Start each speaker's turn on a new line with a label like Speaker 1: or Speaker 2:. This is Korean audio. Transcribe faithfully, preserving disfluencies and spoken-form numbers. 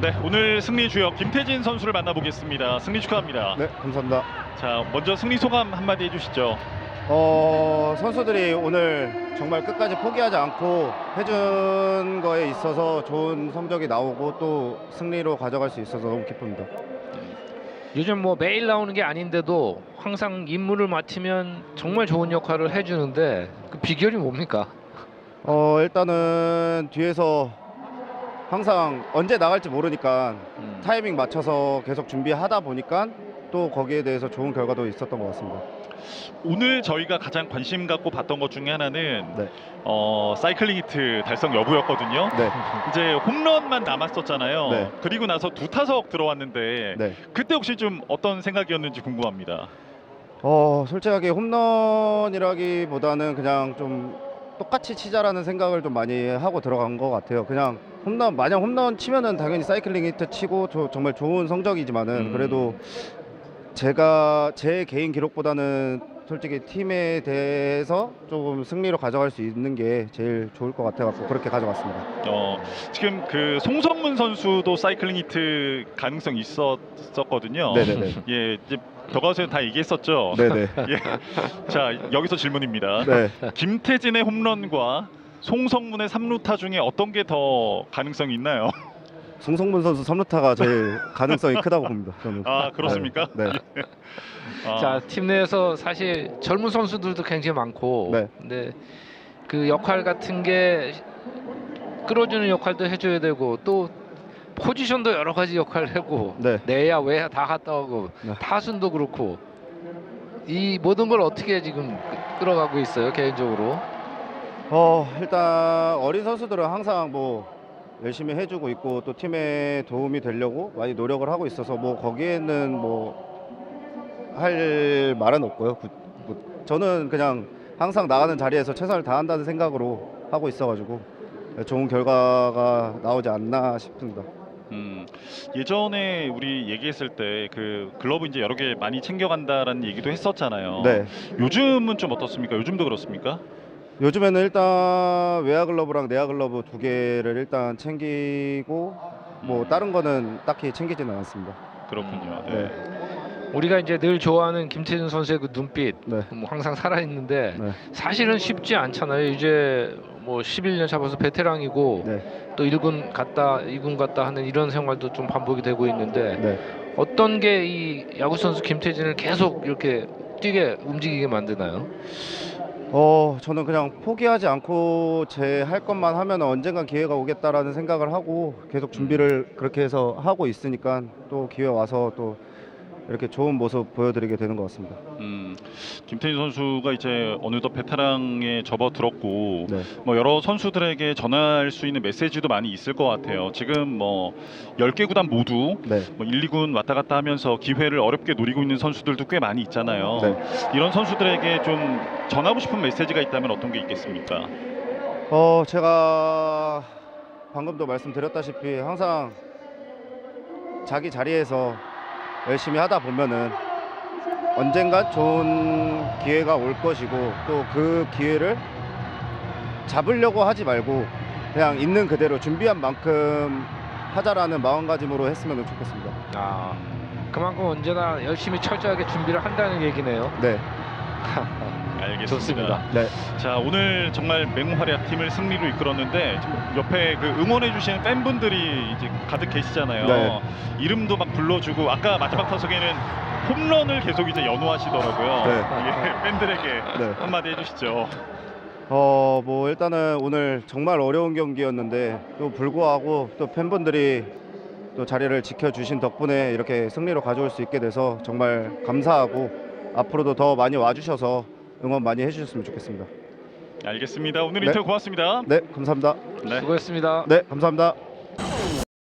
Speaker 1: 네, 오늘 승리 주역 김태진 선수를 만나보겠습니다. 승리 축하합니다.
Speaker 2: 네, 감사합니다.
Speaker 1: 자, 먼저 승리 소감 한마디 해주시죠.
Speaker 2: 어, 선수들이 오늘 정말 끝까지 포기하지 않고 해준 거에 있어서 좋은 성적이 나오고 또 승리로 가져갈 수 있어서 너무 기쁩니다.
Speaker 3: 요즘 뭐 매일 나오는 게 아닌데도 항상 임무를 맡으면 정말 좋은 역할을 해주는데 그 비결이 뭡니까?
Speaker 2: 어, 일단은 뒤에서 항상 언제 나갈지 모르니까
Speaker 3: 음.
Speaker 2: 타이밍 맞춰서 계속 준비하다 보니까 또 거기에 대해서 좋은 결과도 있었던 것 같습니다.
Speaker 1: 오늘 저희가 가장 관심 갖고 봤던 것 중에 하나는
Speaker 2: 네.
Speaker 1: 어, 사이클링 히트 달성 여부였거든요.
Speaker 2: 네.
Speaker 1: 이제 홈런만 남았었잖아요.
Speaker 2: 네.
Speaker 1: 그리고 나서 두 타석 들어왔는데
Speaker 2: 네.
Speaker 1: 그때 혹시 좀 어떤 생각이었는지 궁금합니다.
Speaker 2: 어, 솔직하게 홈런이라기보다는 그냥 좀 똑같이 치자라는 생각을 좀 많이 하고 들어간 것 같아요. 그냥 홈런, 만약 홈런 치면은 당연히 사이클링 히트 치고 저, 정말 좋은 성적이지만은
Speaker 1: 음.
Speaker 2: 그래도 제가 제 개인 기록보다는 솔직히 팀에 대해서 조금 승리로 가져갈 수 있는 게 제일 좋을 것 같아갖고 그렇게 가져갔습니다.
Speaker 1: 어, 지금 그 송성문 선수도 사이클링 히트 가능성 있었었거든요.
Speaker 2: 네네네.
Speaker 1: 예, 이제 더가우스에 다 얘기했었죠.
Speaker 2: 네네.
Speaker 1: 예. 자, 여기서 질문입니다.
Speaker 2: 네.
Speaker 1: 김태진의 홈런과 송성문의 삼 루타 중에 어떤 게 더 가능성이 있나요?
Speaker 2: 송성문 선수 삼 루타가 제일 가능성이 크다고 봅니다. 저는.
Speaker 1: 아, 그렇습니까?
Speaker 2: 네. 네.
Speaker 1: 아,
Speaker 3: 자, 팀 내에서 사실 젊은 선수들도 굉장히 많고
Speaker 2: 네.
Speaker 3: 근데 그 역할 같은 게 끌어주는 역할도 해줘야 되고 또 포지션도 여러 가지 역할을 하고
Speaker 2: 네.
Speaker 3: 내야 외야 다 갔다 오고
Speaker 2: 네.
Speaker 3: 타순도 그렇고 이 모든 걸 어떻게 지금 끌어가고 있어요 개인적으로?
Speaker 2: 어, 일단 어린 선수들은 항상 뭐 열심히 해주고 있고 또 팀에 도움이 되려고 많이 노력을 하고 있어서 뭐 거기에는 뭐 할 말은 없고요. 구- 뭐 저는 그냥 항상 나가는 자리에서 최선을 다한다는 생각으로 하고 있어가지고 좋은 결과가 나오지 않나 싶습니다.
Speaker 1: 음, 예전에 우리 얘기했을 때 그 글러브 이제 여러 개 많이 챙겨간다라는 얘기도 했었잖아요.
Speaker 2: 네.
Speaker 1: 요즘은 좀 어떻습니까? 요즘도 그렇습니까?
Speaker 2: 요즘에는 일단 외야 글러브랑 내야 글러브 두 개를 일단 챙기고 뭐 다른 거는 딱히 챙기지는 않습니다.
Speaker 1: 그렇군요. 네.
Speaker 2: 네.
Speaker 3: 우리가 이제 늘 좋아하는 김태준 선수의 그 눈빛
Speaker 2: 네.
Speaker 3: 뭐 항상 살아있는데
Speaker 2: 네.
Speaker 3: 사실은 쉽지 않잖아요. 이제 뭐 십일 년 잡아서 베테랑이고
Speaker 2: 네.
Speaker 3: 또 일 군 갔다 이 군 갔다 하는 이런 생활도 좀 반복이 되고 있는데
Speaker 2: 네.
Speaker 3: 어떤 게 이 야구 선수 김태진을 계속 이렇게 뛰게 움직이게 만드나요?
Speaker 2: 어, 저는 그냥 포기하지 않고 제 할 것만 하면 언젠간 기회가 오겠다라는 생각을 하고 계속 준비를 그렇게 해서 하고 있으니까 또 기회 와서 또 이렇게 좋은 모습 보여드리게 되는 것 같습니다.
Speaker 1: 음, 김태진 선수가 이제 어느덧 베테랑에 접어들었고
Speaker 2: 네.
Speaker 1: 뭐 여러 선수들에게 전할 수 있는 메시지도 많이 있을 것 같아요. 지금 뭐 열 개 구단 모두
Speaker 2: 네.
Speaker 1: 뭐 일, 이 군 왔다 갔다 하면서 기회를 어렵게 노리고 있는 선수들도 꽤 많이 있잖아요.
Speaker 2: 네.
Speaker 1: 이런 선수들에게 좀 전하고 싶은 메시지가 있다면 어떤 게 있겠습니까?
Speaker 2: 어, 제가 방금도 말씀드렸다시피 항상 자기 자리에서 열심히 하다 보면은 언젠가 좋은 기회가 올 것이고 또 그 기회를 잡으려고 하지 말고 그냥 있는 그대로 준비한 만큼 하자라는 마음가짐으로 했으면 좋겠습니다.
Speaker 3: 아 그만큼 언제나 열심히 철저하게 준비를 한다는 얘기네요.
Speaker 2: 네.
Speaker 1: 알겠습니다.
Speaker 3: 좋습니다.
Speaker 2: 네.
Speaker 1: 자, 오늘 정말 맹활약 팀을 승리로 이끌었는데 지금 옆에 그 응원해 주시는 팬분들이 이제 가득 계시잖아요.
Speaker 2: 네.
Speaker 1: 이름도 막 불러주고 아까 마지막 타석에는 홈런을 계속 이제 연호하시더라고요.
Speaker 2: 네.
Speaker 1: 예, 팬들에게
Speaker 2: 네.
Speaker 1: 한마디 해주시죠.
Speaker 2: 어, 뭐 일단은 오늘 정말 어려운 경기였는데 또 불구하고 또 팬분들이 또 자리를 지켜주신 덕분에 이렇게 승리로 가져올 수 있게 돼서 정말 감사하고 앞으로도 더 많이 와주셔서 응원 많이 해주셨으면 좋겠습니다.
Speaker 1: 알겠습니다. 오늘
Speaker 2: 네.
Speaker 1: 인터뷰 고맙습니다.
Speaker 2: 네, 감사합니다.
Speaker 1: 네.
Speaker 3: 수고했습니다.
Speaker 2: 네, 감사합니다.